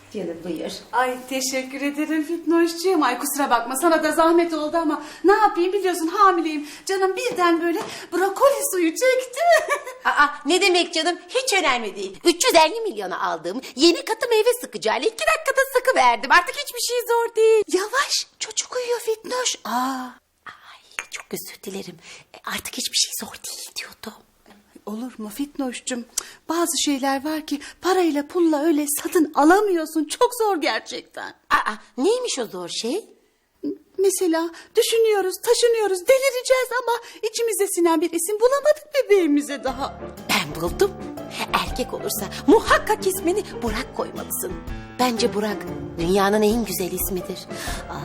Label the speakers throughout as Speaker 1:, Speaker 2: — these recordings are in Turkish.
Speaker 1: Canım buyur.
Speaker 2: Ay teşekkür ederim Fitnoşcuğum. Ay kusura bakma sana da zahmet oldu ama ne yapayım biliyorsun hamileyim. Canım birden böyle brokoli suyu çekti.
Speaker 1: Aa, ne demek canım? Hiç önemli değil. 350 milyona aldığım yeni katı meyve sıkacağıyla 2 dakikada sıkıverdim. Artık hiçbir şey zor değil.
Speaker 2: Yavaş çocuk uyuyor Fitnoş.
Speaker 1: Ay, çok özür dilerim. Artık hiçbir şey zor değil diyordum.
Speaker 2: Olur mu Fitnoş'cum? Bazı şeyler var ki parayla pulla öyle satın alamıyorsun. Çok zor gerçekten.
Speaker 1: Aa, neymiş o zor şey?
Speaker 2: Mesela düşünüyoruz, taşınıyoruz, delireceğiz ama içimize sinen bir isim bulamadık bebeğimize daha.
Speaker 1: Ben buldum. Erkek olursa muhakkak ismini Burak koymalısın. Bence Burak dünyanın en güzel ismidir. Ah,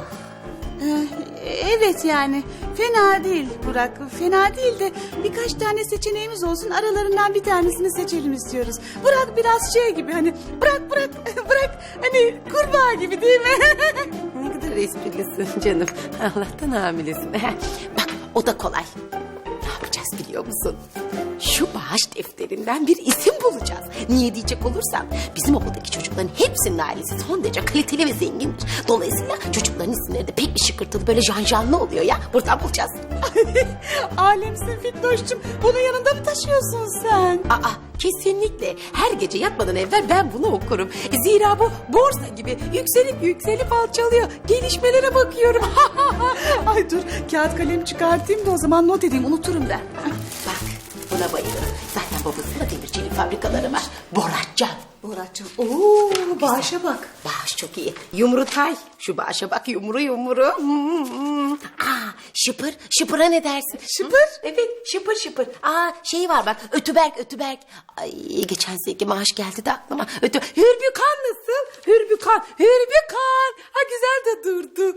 Speaker 2: Evet yani fena değil Burak, fena değil de birkaç tane seçeneğimiz olsun aralarından bir tanesini seçelim istiyoruz. Burak biraz şey gibi hani bırak hani kurbağa gibi değil mi?
Speaker 1: ne kadar esprilisin canım. Allah'tan hamilesin. Bak o da kolay. Ne yapacağız biliyor musun? Şu bağış defterinden bir isim bulacağız. Niye diyecek olursan bizim okuldaki çocukların hepsinin ailesi son derece kaliteli ve zengindir. Dolayısıyla çocukların isimleri de pek bir şıkırtılı böyle janjanlı oluyor ya. Buradan bulacağız.
Speaker 2: Alemsin Fitnoş'cum bunu yanında mı taşıyorsun sen?
Speaker 1: Aa, kesinlikle. Her gece yatmadan evvel ben bunu okurum. Zira bu borsa gibi yükselip alçalıyor. Gelişmelere bakıyorum.
Speaker 2: Ay dur kağıt kalem çıkartayım da o zaman not edeyim unuturum ben.
Speaker 1: Bak buna bayılırım. Zaten babasında demircilik fabrikaları var. Boratcan.
Speaker 2: Boratcan. Oo bağışa bak.
Speaker 1: Bağış çok iyi. Yumrutay. Şu bağışa bak yumru. Aa, şıpıra ne dersin?
Speaker 2: Şıpır?
Speaker 1: Evet şıpır. Aa, şey var bak ötüberk. Ay geçen seneki maaş geldi de aklıma. Hürbükan nasıl? Hürbükan. Ha güzel de durdu.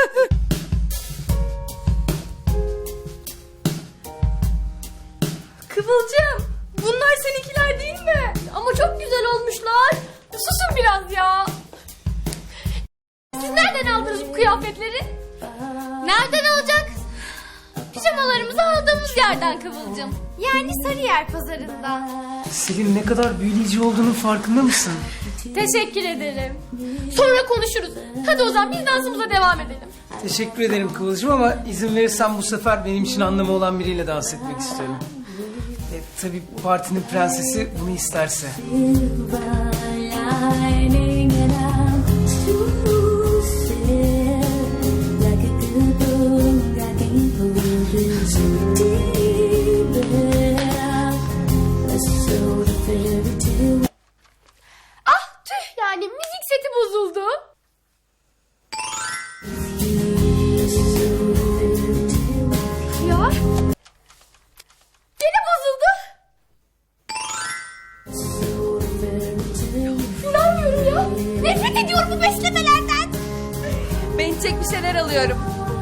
Speaker 3: Kıvılcım, bunlar seninkiler değil mi? Ama çok güzel olmuşlar. Susun biraz ya. Siz nereden aldınız bu kıyafetleri? Nereden olacak? Pijamalarımızı aldığımız yerden Kıvılcım. Yani Sarıyer pazarından.
Speaker 4: Selin ne kadar büyüleyici olduğunun farkında mısın?
Speaker 3: Teşekkür ederim. Sonra konuşuruz. Hadi o zaman biz dansımıza devam edelim.
Speaker 4: Teşekkür ederim Kıvılcım ama izin verirsen bu sefer benim için anlamı olan biriyle dans etmek istiyorum. Tabii partinin prensesi bunu isterse.
Speaker 3: Ah tüh yani müzik seti bozuldu. Ya. Gene bozuldu. İnanmıyorum ya. Nefret ediyorum bu beslemelerden. Ben içecek bir şeyler alıyorum.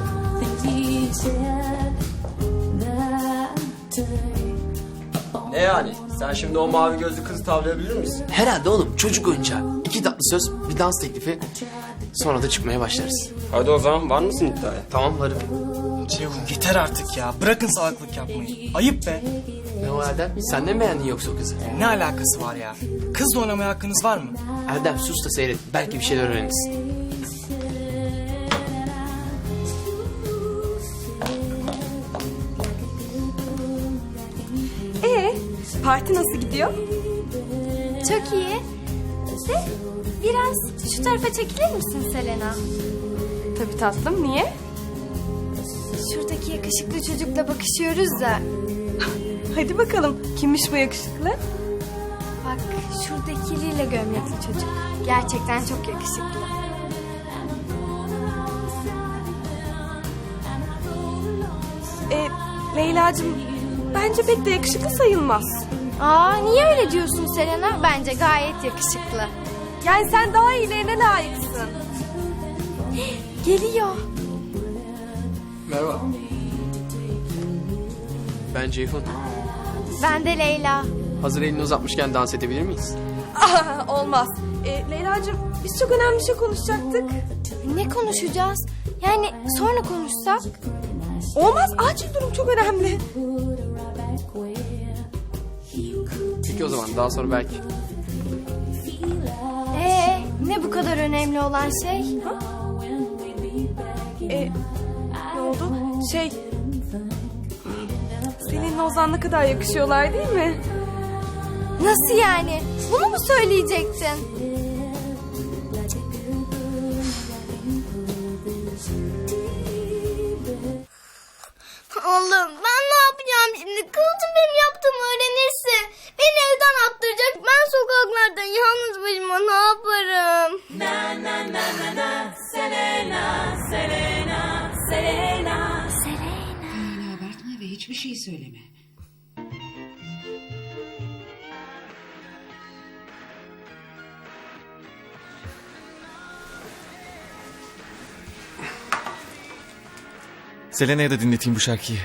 Speaker 5: Ne yani? Sen şimdi o mavi gözlü kızı tavlayabilir misin?
Speaker 6: Herhalde oğlum çocuk oyuncağı. 2 tatlı söz, bir dans teklifi. Sonra da çıkmaya başlarız.
Speaker 5: Hadi o zaman var mısın iddiaya?
Speaker 6: Tamam varım.
Speaker 4: Ceyhun yeter artık ya. Bırakın salaklık yapmayı. Ayıp be.
Speaker 6: Ne o Erdem? Sen de mi beğendin yoksa o kızı?
Speaker 4: Ne alakası var ya? Kızla oynamaya hakkınız var mı?
Speaker 6: Erdem sus da seyret. Belki bir şeyler öğrenirsin.
Speaker 3: Parti nasıl gidiyor? Çok iyi. De biraz şu tarafa çekilir misin Selena? Tabii tatlım, niye? Şuradaki yakışıklı çocukla bakışıyoruz da. Hadi bakalım, kimmiş bu yakışıklı? Bak, şuradaki lila gömlekli çocuk. Gerçekten çok yakışıklı.
Speaker 7: Leyla'cığım bence pek de yakışıklı sayılmaz.
Speaker 3: Aa, niye öyle diyorsun Selena? Bence gayet yakışıklı.
Speaker 7: Yani sen daha iyilerine layıksın.
Speaker 3: Geliyor.
Speaker 6: Merhaba. Ben Ceyhun.
Speaker 3: Ben de Leyla.
Speaker 6: Hazır elini uzatmışken dans edebilir miyiz?
Speaker 7: Olmaz. Leyla'cığım biz çok önemli bir şey konuşacaktık.
Speaker 3: Ne konuşacağız? Yani sonra konuşsak?
Speaker 7: Olmaz, acil durum çok önemli.
Speaker 6: Peki o zaman daha sonra belki.
Speaker 3: Ne bu kadar önemli olan şey?
Speaker 7: Ne oldu? Seninle Ozan ne kadar yakışıyorlar değil mi?
Speaker 3: Nasıl yani? Bunu mu söyleyecektin?
Speaker 8: Allah'ım ben ne yapacağım şimdi? Kıvılcım benim yaptığımı öğrenirse beni evden attıracak. Ben sokaklarda yalnız başıma ne yaparım?
Speaker 9: Öyle abartma ve hiçbir şey söyleme.
Speaker 10: Selena'ya da dinleteyim bu şarkıyı.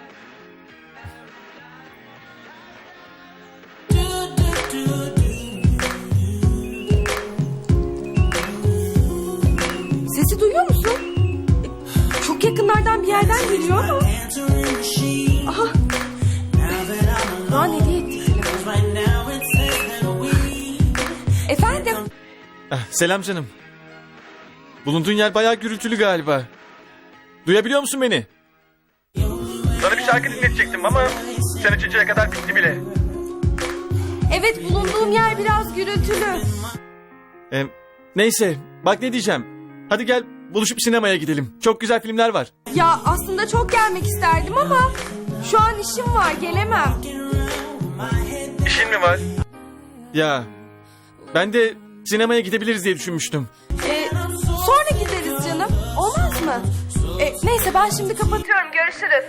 Speaker 7: Sesi duyuyor musun? Çok yakınlardan bir yerden geliyor ama. Aha. Daha ne diye etti telefonu? Efendim?
Speaker 10: Selam canım. Bulunduğun yer bayağı gürültülü galiba. Duyabiliyor musun beni? Sana bir şarkı dinletecektim ama sen açıncaya kadar bitti bile.
Speaker 7: Evet, bulunduğum yer biraz gürültülü.
Speaker 10: Neyse bak ne diyeceğim. Hadi gel buluşup sinemaya gidelim. Çok güzel filmler var.
Speaker 7: Ya aslında çok gelmek isterdim ama şu an işim var, gelemem.
Speaker 10: İşin mi var? Ya ben de sinemaya gidebiliriz diye düşünmüştüm.
Speaker 7: Sonra gideriz canım. Olmaz mı? Neyse ben şimdi kapatıyorum. Görüşürüz.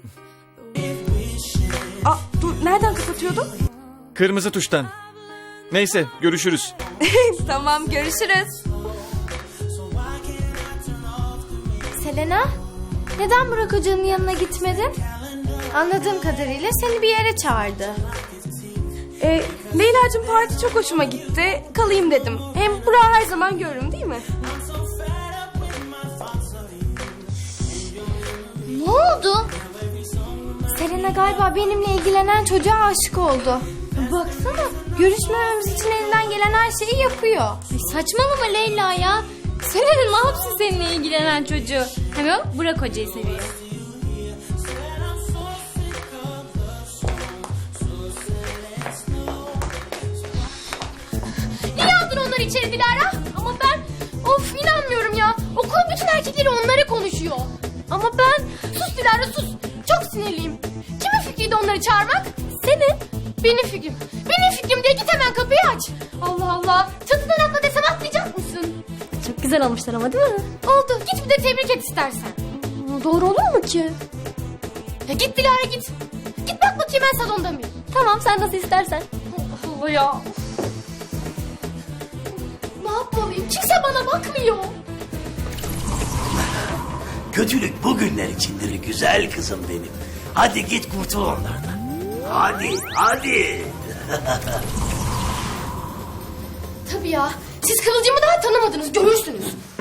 Speaker 7: Dur, nereden kapatıyordum?
Speaker 10: Kırmızı tuştan. Neyse görüşürüz.
Speaker 7: Tamam, görüşürüz.
Speaker 3: Selena, neden Burak Hoca'nın yanına gitmedin? Anladığım kadarıyla seni bir yere çağırdı.
Speaker 7: Leyla'cığım parti çok hoşuma gitti. Kalayım dedim. Hem Burak'ı her zaman görürüm değil mi?
Speaker 3: Ne oldu? Selena galiba benimle ilgilenen çocuğa aşık oldu. Baksana, görüşmememiz için elinden gelen her şeyi yapıyor.
Speaker 11: Saçmalama Leyla ya. Selena ne yapsın seninle ilgilenen çocuğu? Hem o Burak Hoca'yı seviyor. Niye aldın onları içeri Dilara? Ama ben inanmıyorum ya. Okulun bütün erkekleri onlara konuşuyor. Ama ben sus Dilara sus. Çok sinirliyim. Kimin fikriydi onları çağırmak? Senin. Benim fikrim. Benim fikrim diye git hemen kapıyı aç. Allah Allah. Çatıdan atla desem atlayacak mısın? Çok güzel olmuşlar ama değil mi? Oldu. Git bir de tebrik et istersen. Doğru olur mu ki? Ya git Dilara git. Git bak bakayım ben salonda mıyım? Tamam sen nasıl istersen. Allah Allah ya. Ne yapmalıyım? Kimse bana bakmıyor.
Speaker 12: Kötülük bugünler içindir güzel kızım benim. Hadi git kurtul onlardan. Hadi.
Speaker 11: Tabii ya. Siz Kıvılcım'ı daha tanımadınız. Görürsünüz.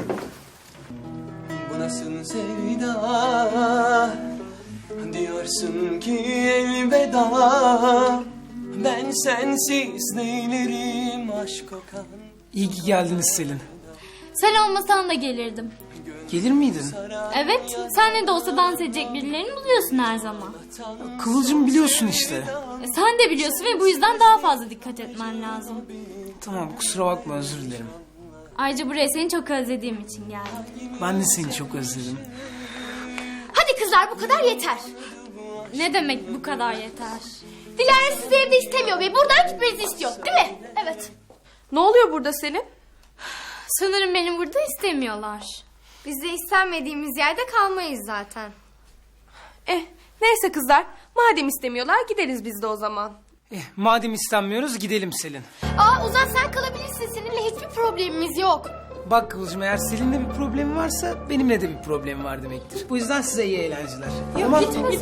Speaker 5: Bu nasıl sevda? Diyorsun ki elveda. Ben sensiz neylerim aşk kokan.
Speaker 4: İyi ki geldiniz Selin.
Speaker 11: Sen olmasan da gelirdim.
Speaker 4: Gelir miydin?
Speaker 11: Evet. Sen ne de olsa dans edecek birilerini buluyorsun her zaman.
Speaker 4: Kıvılcım biliyorsun işte.
Speaker 11: Sen de biliyorsun ve bu yüzden daha fazla dikkat etmen lazım.
Speaker 4: Tamam kusura bakma özür dilerim.
Speaker 11: Ayrıca buraya seni çok özlediğim için geldim.
Speaker 4: Ben de seni çok özledim.
Speaker 11: Hadi kızlar bu kadar yeter. Ne demek bu kadar yeter? Dilara sizi evde istemiyor ve buradan gitmenizi istiyor değil mi? Evet.
Speaker 7: Ne oluyor burada Selin?
Speaker 11: Sanırım beni burada istemiyorlar.
Speaker 3: Biz de istenmediğimiz yerde kalmayız zaten.
Speaker 7: Neyse kızlar. Madem istemiyorlar gideriz biz de o zaman.
Speaker 4: Madem istenmiyoruz gidelim Selin.
Speaker 11: Ozan sen kalabilirsin. Seninle hiçbir problemimiz yok.
Speaker 4: Bak Kıvılcım eğer Selin'le bir problemi varsa benimle de bir problemi var demektir. Bu yüzden size iyi eğlenceler. Tamam.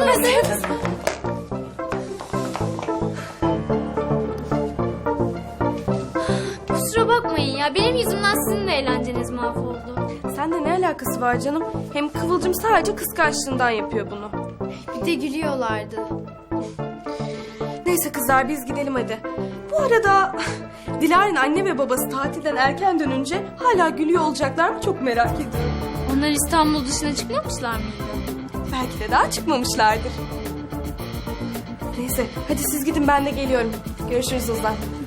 Speaker 11: Kusura bakmayın ya. Benim yüzümden sizin de eğlenceniz mahvoldu.
Speaker 7: Seninle ne alakası var canım? Hem Kıvılcım sadece kıskançlığından yapıyor bunu.
Speaker 3: Bir de gülüyorlardı.
Speaker 7: Neyse kızlar biz gidelim hadi. Bu arada Dilara'nın anne ve babası tatilden erken dönünce hala gülüyor olacaklar mı çok merak ediyorum.
Speaker 11: Onlar İstanbul dışına çıkmamışlar mıydı?
Speaker 7: Belki de daha çıkmamışlardır. Neyse hadi siz gidin ben de geliyorum. Görüşürüz Ozan.